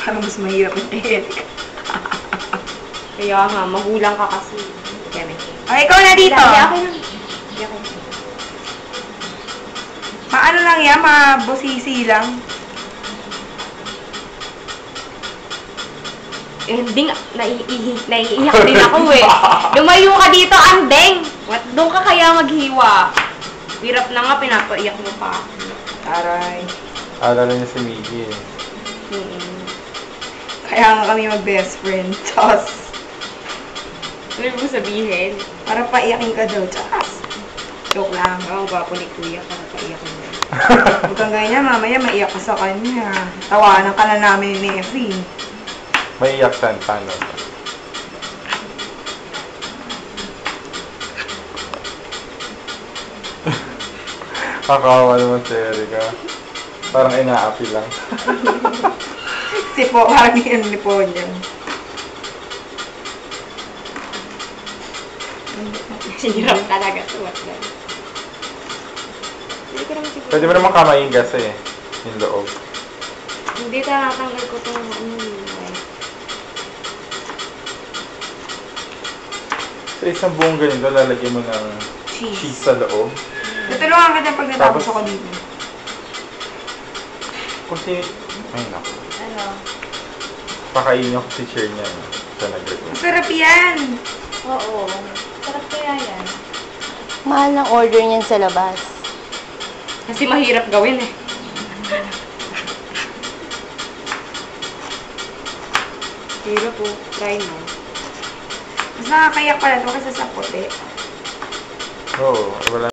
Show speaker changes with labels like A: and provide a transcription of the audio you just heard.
A: Parang mas mahirap yung Erika.
B: Kaya nga, magulang ka kasi.
A: Ay, ikaw na dito. Maano lang yan, mabusisi lang.
B: Ending, naiiyak din ako eh. Lumayo ka dito, Andeng! Doon ka kaya maghiwa. Hirap na nga, pinapaiyak mo pa.
A: Aray.
C: Alala niya si Miggy eh.
A: Kaya nga kami mag-best friend. Chos.
B: Ano mo sabihin?
A: Para paiyakin ka daw. Chos. Joke lang.
B: Ang gwapo ni Kuya, para paiyakin mo.
A: Huwag kang ganyan, mamaya maiyak ka sa kanya. Tawanan ka na namin ni Effie.
C: May iyak saan, paano? Kakawa naman si Erika. Parang inaapi lang.
A: Sipo, parang yung lipo niya.
B: Hirap talaga suwat lang.
C: Pwede mo naman kamayin kasi eh. Yung loob.
B: Hindi, tatanggal ko itong
C: Sa isang buong ganito, lalagyan mo ng cheese sa loob.
A: Tutulungan ka na pag natapos ako dito.
C: Kung ay naku.
B: Ano?
C: Pakainin ako si Cher niya. Siya nag-request.
A: Masarap yan!
B: Oo. Sarap kaya yan.
D: Mahal ng order niyan sa labas.
B: Kasi mahirap gawin eh. Hirap po. Try mo.
A: Mas nakakayak pala ito kasi sa puti.
C: Oo, wala.